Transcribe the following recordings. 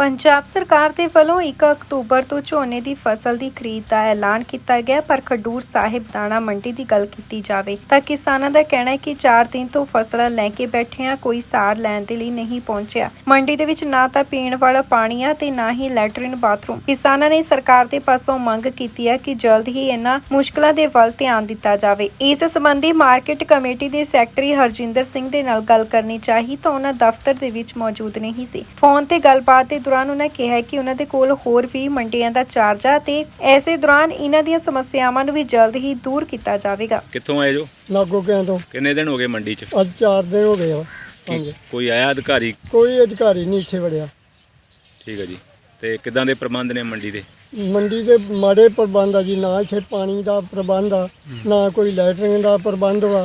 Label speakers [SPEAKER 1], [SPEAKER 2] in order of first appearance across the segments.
[SPEAKER 1] ਪੰਜਾਬ ਸਰਕਾਰ ਦੇ ਵੱਲੋਂ 1 ਅਕਤੂਬਰ ਤੋਂ ਝੋਨੇ ਦੀ ਫਸਲ ਦੀ ਖਰੀਦ ਦਾ ਐਲਾਨ ਕੀਤਾ ਗਿਆ, ਪਰ ਖਡੂਰ ਸਾਹਿਬ ਦਾਣਾ ਮੰਡੀ ਦੀ ਗੱਲ ਕੀਤੀ ਜਾਵੇ ਤਾਂ ਕਿਸਾਨਾਂ ਦਾ ਕਹਿਣਾ ਹੈ ਕਿ 4 ਦਿਨ ਤੋਂ ਫਸਲਾਂ ਲੈ ਕੇ ਬੈਠੇ ਆ, ਕੋਈ ਸਾਰ ਲੈਣ ਦੇ ਲਈ ਨਹੀਂ ਪਹੁੰਚਿਆ। ਮੰਡੀ ਦੇ ਵਿੱਚ ਨਾ ਤਾਂ ਪੀਣ ਵਾਲਾ ਪਾਣੀ ਆ ਤੇ ਨਾ ਹੀ ਲੈਟਰਿਨ ਬਾਥਰੂਮ। ਕਿਸਾਨਾਂ ਨੇ ਸਰਕਾਰ ਦੇ ਪਾਸੋਂ ਮੰਗ ਕੀਤੀ ਹੈ ਕਿ ਜਲਦ ਹੀ ਇਹਨਾਂ ਮੁਸ਼ਕਲਾਂ ਦੇ ਵੱਲ ਧਿਆਨ ਦਿੱਤਾ ਜਾਵੇ। ਇਸ ਸੰਬੰਧੀ ਮਾਰਕੀਟ ਕਮੇਟੀ ਦੇ ਸੈਕਟਰੀ ਹਰਜਿੰਦਰ ਸਿੰਘ ਦੇ ਨਾਲ ਗੱਲ ਕਰਨੀ ਚਾਹੀ ਤਾਂ ਉਹਨਾਂ ਦਫ਼ਤਰ ਦੇ ਵਿੱਚ ਮੌਜੂਦ ਨਹੀਂ ਸੀ। ਫੋਨ ਤੇ ਗੱਲਬਾਤ ਦੇ ਦੌਰਾਨ ਉਹਨਾਂ ਕਿਹਾ ਕਿ ਉਹਨਾਂ ਦੇ ਕੋਲ ਹੋਰ ਵੀ ਮੰਡੀਆਂ ਦਾ ਚਾਰਜ ਆ ਤੇ ਐਸੇ ਦੌਰਾਨ ਇਹਨਾਂ ਦੀਆਂ ਸਮੱਸਿਆਵਾਂ ਨੂੰ ਵੀ ਜਲਦ ਹੀ ਦੂਰ ਕੀਤਾ ਜਾਵੇਗਾ।
[SPEAKER 2] ਕਿੱਥੋਂ ਆਏ ਜੋ?
[SPEAKER 3] ਨਾਗੋਕਿਆਂ ਤੋਂ।
[SPEAKER 2] ਕਿੰਨੇ ਦਿਨ ਹੋ ਗਏ ਮੰਡੀ 'ਚ?
[SPEAKER 3] ਅੱਜ 4 ਦਿਨ ਹੋ ਗਏ ਆ। ਹਾਂਜੀ।
[SPEAKER 2] ਕੋਈ ਆਇਆ ਅਧਿਕਾਰੀ?
[SPEAKER 3] ਕੋਈ ਅਧਿਕਾਰੀ ਨਹੀਂ ਇੱਥੇ ਵੜਿਆ।
[SPEAKER 2] ਠੀਕ ਹੈ ਜੀ। ਤੇ ਕਿੱਦਾਂ ਦੇ ਪ੍ਰਬੰਧ ਨੇ ਮੰਡੀ ਦੇ?
[SPEAKER 3] ਮੰਡੀ ਦੇ ਮਾੜੇ ਪ੍ਰਬੰਧ ਆ ਜੀ, ਨਾ ਇੱਥੇ ਪਾਣੀ ਦਾ ਪ੍ਰਬੰਧ ਆ, ਨਾ ਕੋਈ ਲੈਟਰਿੰਗ ਦਾ ਪ੍ਰਬੰਧ ਵਾ।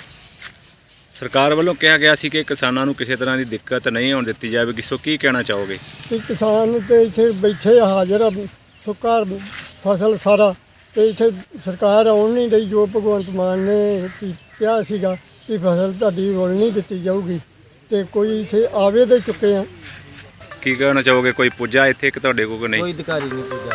[SPEAKER 2] ਸਰਕਾਰ ਵੱਲੋਂ ਕਿਹਾ ਗਿਆ ਸੀ ਕਿ ਕਿਸਾਨਾਂ ਨੂੰ ਕਿਸੇ ਤਰ੍ਹਾਂ ਦੀ ਦਿੱਕਤ ਨਹੀਂ ਆਉਣ ਦਿੱਤੀ ਜਾਵੇਗੀ, ਸੋ ਕੀ ਕਹਿਣਾ ਚਾਹੋਗੇ?
[SPEAKER 3] ਤੇ ਕਿਸਾਨ ਤੇ ਇੱਥੇ ਬੈਠੇ ਹਾਜ਼ਰ ਆ, ਸੁੱਕਾ ਫਸਲ ਸਾਰਾ, ਤੇ ਇੱਥੇ ਸਰਕਾਰ ਆਉਣ ਨਹੀਂ ਰਹੀ। ਜੋ ਭਗਵੰਤ ਮਾਨ ਨੇ ਕਿਹਾ ਸੀਗਾ ਕਿ ਫਸਲ ਤੁਹਾਡੀ ਰੋਲ ਨਹੀਂ ਦਿੱਤੀ ਜਾਊਗੀ, ਤੇ ਕੋਈ ਇੱਥੇ ਆਵੇ ਦੇ ਚੁੱਕੇ ਆ।
[SPEAKER 2] ਕੀ ਕਹਿਣਾ ਚਾਹੋਗੇ? ਕੋਈ ਪੁੱਜਾ ਇੱਥੇ ਕਿ ਤੁਹਾਡੇ ਕੋਲ ਨਹੀਂ?
[SPEAKER 4] ਕੋਈ ਅਧਿਕਾਰੀ ਨਹੀਂ ਪੁੱਜਾ।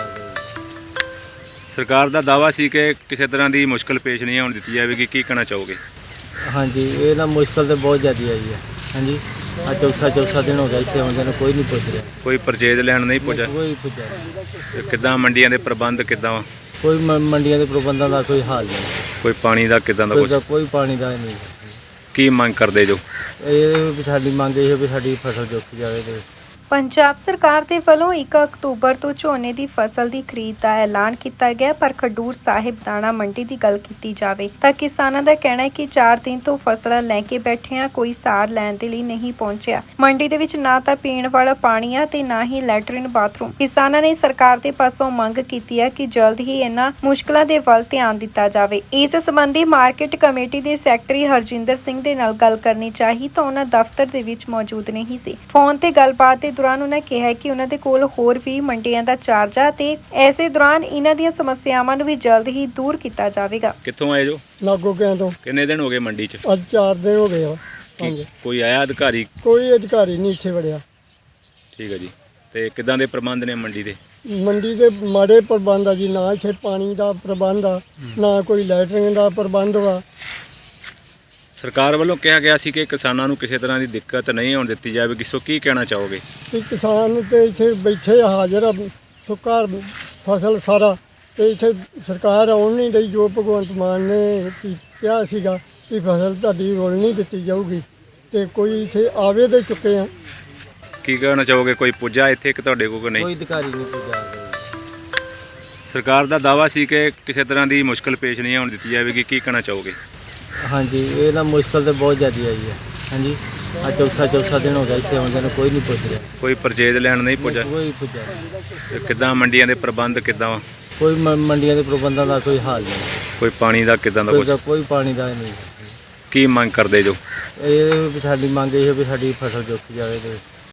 [SPEAKER 2] ਸਰਕਾਰ ਦਾ ਦਾਅਵਾ ਸੀ ਕਿ ਕਿਸੇ ਤਰ੍ਹਾਂ ਦੀ ਮੁਸ਼ਕਲ ਪੇਸ਼ ਨਹੀਂ ਆਉਣ ਦਿੱਤੀ ਜਾਵੇਗੀ, ਕੀ ਕਹਿਣਾ ਚਾਹੋਗੇ?
[SPEAKER 4] ਹਾਂਜੀ, ਇਹ ਨਾ ਮੁਸ਼ਕਲ ਤਾਂ ਬਹੁਤ ਜ਼ਿਆਦਾ ਆਈ ਹੈ। ਹਾਂਜੀ, ਆ ਚੌਥਾ ਦਿਨ ਹੋ ਗਿਆ ਇੱਥੇ ਆਉਂਦੇ ਨੂੰ, ਕੋਈ ਨਹੀਂ ਪੁੱਛ ਰਿਹਾ।
[SPEAKER 2] ਕੋਈ ਪਰਚੇਜ ਲੈਣ ਨਹੀਂ ਪੁੱਜਾ?
[SPEAKER 4] ਕੋਈ ਪੁੱਛਿਆ।
[SPEAKER 2] ਤੇ ਕਿੱਦਾਂ ਮੰਡੀਆਂ ਦੇ ਪ੍ਰਬੰਧ ਕਿੱਦਾਂ ਵਾ?
[SPEAKER 4] ਕੋਈ ਮੰਡੀਆਂ ਦੇ ਪ੍ਰਬੰਧਾਂ ਦਾ ਕੋਈ ਹਾਲ ਨਹੀਂ।
[SPEAKER 2] ਕੋਈ ਪਾਣੀ ਦਾ ਕਿੱਦਾਂ ਦਾ ਕੁਛ?
[SPEAKER 4] ਕੋਈ ਪਾਣੀ ਦਾ ਨਹੀਂ।
[SPEAKER 2] ਕੀ ਮੰਗ ਕਰਦੇ ਜੋ?
[SPEAKER 4] ਇਹ ਵੀ ਸਾਡੀ ਮੰਗ ਇਹ ਹੈ ਵੀ ਸਾਡੀ ਫਸਲ ਜੋਖੀ ਜਾਵੇ। ਤੇ
[SPEAKER 1] ਪੰਜਾਬ ਸਰਕਾਰ ਦੇ ਵੱਲੋਂ 1 ਅਕਤੂਬਰ ਤੋਂ ਝੋਨੇ ਦੀ ਫਸਲ ਦੀ ਖਰੀਦ ਦਾ ਐਲਾਨ ਕੀਤਾ ਗਿਆ, ਪਰ ਖਡੂਰ ਸਾਹਿਬ ਦਾਣਾ ਮੰਡੀ ਦੀ ਗੱਲ ਕੀਤੀ ਜਾਵੇ ਤਾਂ ਕਿਸਾਨਾਂ ਦਾ ਕਹਿਣਾ ਹੈ ਕਿ 4 ਦਿਨ ਤੋਂ ਫਸਲਾਂ ਲੈ ਕੇ ਬੈਠੇ ਆ, ਕੋਈ ਸਾਰ ਲੈਣ ਦੇ ਲਈ ਨਹੀਂ ਪਹੁੰਚਿਆ। ਮੰਡੀ ਦੇ ਵਿੱਚ ਨਾ ਤਾਂ ਪੀਣ ਵਾਲਾ ਪਾਣੀ ਆ ਤੇ ਨਾ ਹੀ ਲੈਟਰਿਨ ਬਾਥਰੂਮ। ਕਿਸਾਨਾਂ ਨੇ ਸਰਕਾਰ ਦੇ ਪਾਸੋਂ ਮੰਗ ਕੀਤੀ ਹੈ ਕਿ ਜਲਦ ਹੀ ਇਹਨਾਂ ਮੁਸ਼ਕਲਾਂ ਦੇ ਵੱਲ ਧਿਆਨ ਦਿੱਤਾ ਜਾਵੇ। ਇਸ ਸੰਬੰਧੀ ਮਾਰਕੀਟ ਕਮੇਟੀ ਦੇ ਸੈਕਟਰੀ ਹਰਜਿੰਦਰ ਸਿੰਘ ਦੇ ਨਾਲ ਗੱਲ ਕਰਨੀ ਚਾਹੀ ਤਾਂ ਉਹਨਾਂ ਦਫ਼ਤਰ ਦੇ ਵਿੱਚ ਮੌਜੂਦ ਨਹੀਂ ਸੀ। ਫੋਨ ਤੇ ਗੱਲਬਾਤ ਦੇ ਦੌਰਾਨ ਉਹਨਾਂ ਕਿਹਾ ਕਿ ਉਹਨਾਂ ਦੇ ਕੋਲ ਹੋਰ ਵੀ ਮੰਡੀਆਂ ਦਾ ਚਾਰਜ ਆ ਤੇ ਐਸੇ ਦੌਰਾਨ ਇਹਨਾਂ ਦੀਆਂ ਸਮੱਸਿਆਵਾਂ ਨੂੰ ਵੀ ਜਲਦ ਹੀ ਦੂਰ ਕੀਤਾ ਜਾਵੇਗਾ।
[SPEAKER 2] ਕਿੱਥੋਂ ਆਏ ਜੋ?
[SPEAKER 3] ਨਾਗੋਕਿਆਂ ਤੋਂ।
[SPEAKER 2] ਕਿੰਨੇ ਦਿਨ ਹੋ ਗਏ ਮੰਡੀ 'ਚ?
[SPEAKER 3] ਅੱਜ 4 ਦਿਨ ਹੋ ਗਏ ਆ। ਹਾਂਜੀ।
[SPEAKER 2] ਕੋਈ ਆਇਆ ਅਧਿਕਾਰੀ?
[SPEAKER 3] ਕੋਈ ਅਧਿਕਾਰੀ ਨਹੀਂ ਇੱਥੇ ਵੜਿਆ।
[SPEAKER 2] ਠੀਕ ਹੈ ਜੀ। ਤੇ ਕਿੱਦਾਂ ਦੇ ਪ੍ਰਬੰਧ ਨੇ ਮੰਡੀ ਦੇ?
[SPEAKER 3] ਮੰਡੀ ਦੇ ਮਾੜੇ ਪ੍ਰਬੰਧ ਆ ਜੀ, ਨਾ ਇੱਥੇ ਪਾਣੀ ਦਾ ਪ੍ਰਬੰਧ ਆ, ਨਾ ਕੋਈ ਲੈਟਰਿੰਗ ਦਾ ਪ੍ਰਬੰਧ ਵਾ।
[SPEAKER 2] ਸਰਕਾਰ ਵੱਲੋਂ ਕਿਹਾ ਗਿਆ ਸੀ ਕਿ ਕਿਸਾਨਾਂ ਨੂੰ ਕਿਸੇ ਤਰ੍ਹਾਂ ਦੀ ਦਿੱਕਤ ਨਹੀਂ ਆਉਣ ਦਿੱਤੀ ਜਾਵੇਗੀ, ਸੋ ਕੀ ਕਹਿਣਾ ਚਾਹੋਗੇ?
[SPEAKER 3] ਤੇ ਕਿਸਾਨ ਤੇ ਇੱਥੇ ਬੈਠੇ ਹਾਜ਼ਰ ਆ, ਸੁੱਕਾ ਫਸਲ ਸਾਰਾ, ਤੇ ਇੱਥੇ ਸਰਕਾਰ ਆਉਣ ਨਹੀਂ ਰਹੀ। ਜੋ ਭਗਵੰਤ ਮਾਨ ਨੇ ਕਿਹਾ ਸੀਗਾ ਕਿ ਫਸਲ ਤੁਹਾਡੀ ਰੋਲ ਨਹੀਂ ਦਿੱਤੀ ਜਾਊਗੀ, ਤੇ ਕੋਈ ਇੱਥੇ ਆਵੇ ਦੇ ਚੁੱਕੇ ਆ।
[SPEAKER 2] ਕੀ ਕਹਿਣਾ ਚਾਹੋਗੇ? ਕੋਈ ਪੁੱਜਾ ਇੱਥੇ ਕਿ ਤੁਹਾਡੇ ਕੋਲ ਨਹੀਂ?
[SPEAKER 4] ਕੋਈ ਅਧਿਕਾਰੀ ਨਹੀਂ ਪੁੱਜਾ।
[SPEAKER 2] ਸਰਕਾਰ ਦਾ ਦਾਅਵਾ ਸੀ ਕਿ ਕਿਸੇ ਤਰ੍ਹਾਂ ਦੀ ਮੁਸ਼ਕਲ ਪੇਸ਼ ਨਹੀਂ ਆਉਣ ਦਿੱਤੀ ਜਾਵੇਗੀ, ਕੀ ਕਹਿਣਾ ਚਾਹੋਗੇ?
[SPEAKER 4] ਹਾਂਜੀ, ਇਹ ਨਾ ਮੁਸ਼ਕਲ ਤਾਂ ਬਹੁਤ ਜ਼ਿਆਦਾ ਆਈ ਹੈ। ਹਾਂਜੀ, ਆ ਚੌਥਾ ਦਿਨ ਹੋ ਗਿਆ ਇੱਥੇ ਆਉਂਦੇ ਨੂੰ, ਕੋਈ ਨਹੀਂ ਪੁੱਛ ਰਿਹਾ।
[SPEAKER 2] ਕੋਈ ਪਰਚੇਜ ਲੈਣ ਨਹੀਂ ਪੁੱਜਾ?
[SPEAKER 4] ਕੋਈ ਪੁੱਛਿਆ।
[SPEAKER 2] ਤੇ ਕਿੱਦਾਂ ਮੰਡੀਆਂ ਦੇ ਪ੍ਰਬੰਧ ਕਿੱਦਾਂ ਵਾ?
[SPEAKER 4] ਕੋਈ ਮੰਡੀਆਂ ਦੇ ਪ੍ਰਬੰਧਾਂ ਦਾ ਕੋਈ ਹਾਲ ਨਹੀਂ।
[SPEAKER 2] ਕੋਈ ਪਾਣੀ ਦਾ ਕਿੱਦਾਂ ਦਾ ਕੁਛ?
[SPEAKER 4] ਕੋਈ ਪਾਣੀ ਦਾ ਨਹੀਂ।
[SPEAKER 2] ਕੀ ਮੰਗ ਕਰਦੇ ਜੋ?
[SPEAKER 4] ਇਹ ਵੀ ਸਾਡੀ ਮੰਗ ਇਹ ਹੈ ਵੀ ਸਾਡੀ ਫਸਲ ਜੋਖੀ ਜਾਵੇ। ਤੇ